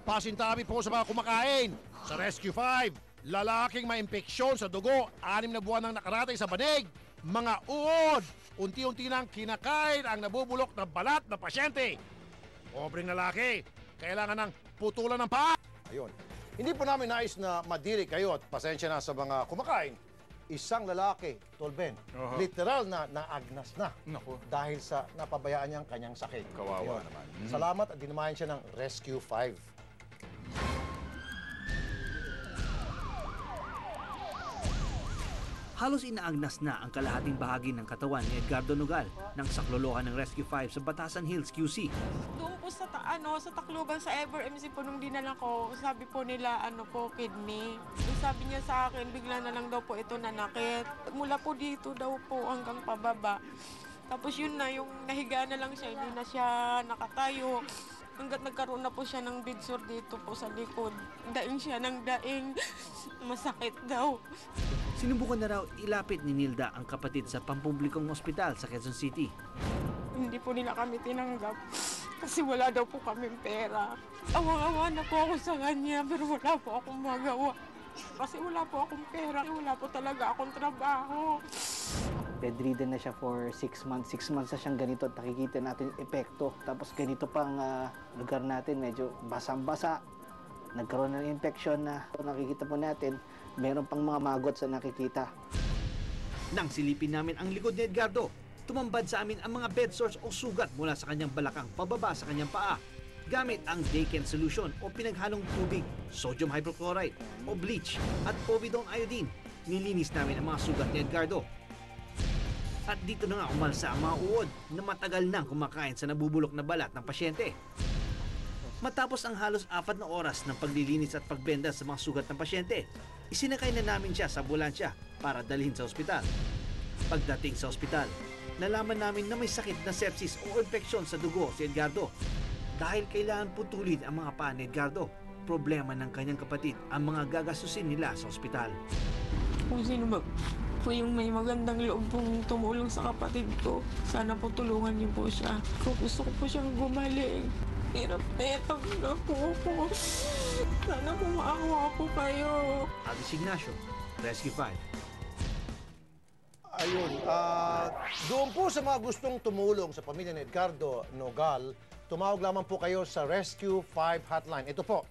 Pasintabi po sa mga kumakain. Sa Rescue 5, lalaking may impeksyon sa dugo, 6 na buwan nang nakaratay sa banig, mga uod, unti-unti nang kinakain ang nabubulok na balat na pasyente. Pobreng lalaki, kailangan ng putulan ng paa. Ayun. Hindi po namin nais na madiri kayo at pasensya na sa mga kumakain. Isang lalaki, Tolben, literal na naagnas na. Naku. Dahil sa napabayaan niyang kanyang sakit. Kawawa Ayun. naman. Salamat at dinamayan siya ng Rescue 5. Halos inaagnas na ang kalahating bahagi ng katawan ni Edgardo Nogal ng saklolohan ng Rescue 5 sa Batasan Hills, QC. Doon po sa Tacloban, sa Ever MC po nung dinala ko, sabi po nila kidney. Yung sabi niya sa akin, bigla na lang daw po ito nanakit. Mula po dito daw po hanggang pababa. Tapos yun na, yung nahiga na lang siya, hindi na siya nakatayo. Hanggat nagkaroon na po siya ng bidsor dito po sa likod. Daing siya ng daing. Masakit daw. Sinubukan na raw ilapit ni Nilda ang kapatid sa pampublikong ospital sa Quezon City. Hindi po nila kami tinanggap kasi wala daw po kaming pera. Awang-awa na po ako sa kanya pero wala po akong magawa. Kasi wala po akong pera, wala po talaga akong trabaho. Bedridden na siya for 6 months. 6 months na siyang ganito at nakikita natin yung epekto. Tapos ganito pang lugar natin, medyo basang-basa. Nagkaroon ng infection na nakikita po natin. Meron pang mga magot sa nakikita. Nang silipin namin ang likod ni Edgardo, tumambad sa amin ang mga bed sores o sugat mula sa kanyang balakang pababa sa kanyang paa. Gamit ang Daken solution o pinaghalong tubig, sodium hypochlorite o bleach at povidone iodine, nilinis namin ang mga sugat ni Edgardo. At dito na nga umalsa ang mga uod na matagal nang kumakain sa nabubulok na balat ng pasyente. Matapos ang halos 4 na oras ng paglilinis at pagbenda sa mga sugat ng pasyente, isinakay na namin siya sa ambulansya para dalhin sa ospital. Pagdating sa ospital, nalaman namin na may sakit na sepsis o infeksyon sa dugo si Edgardo. Dahil kailangan putulin ang mga paa ni Edgardo, problema ng kanyang kapatid ang mga gagastusin nila sa ospital. Kung sino ba po yung may magandang loob pong tumulong sa kapatid ko, sana po tulungan niyo po siya. Kung gusto ko po siyang gumaling. Hirap na po ako. Sana po maawa po kayo. Aldis Ignacio, Rescue 5. Ayun. Doon po sa mga gustong tumulong sa pamilya ni Edgardo Nogal, tumawag lamang po kayo sa Rescue 5 hotline. Ito po,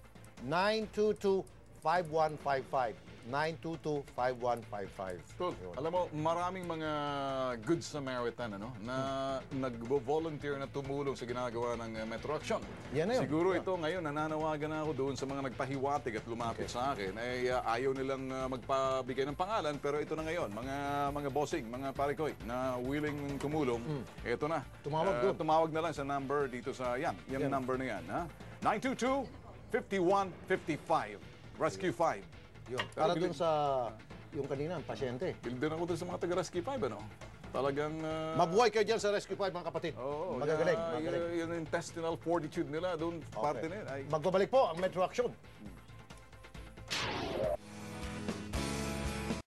922-5155. 922-5155. Cool. Alam mo, maraming mga good Samaritan na nag-volunteer na tumulong sa ginagawa ng Metro Action. Yan na yun. Siguro ito ngayon, nananawagan na ako doon sa mga nagpahiwatig at lumapit sa akin. Ayaw nilang magpabigay ng pangalan, pero ito na ngayon, mga bossing, mga parikoy na willing tumulong. Ito na. Tumawag doon. Tumawag na lang sa number dito sa yung number na yan. 922-5155. Rescue 5. Yun. Para dun sa yung kanina, ang pasyente. Bilden ako dun sa mga taga-Rescue 5, Talagang... Mabuhay kayo dyan sa Rescue 5, mga kapatid. Oo. Magagaling. Yung intestinal fortitude nila, doon parte na yun. Magbabalik po ang Metro Action.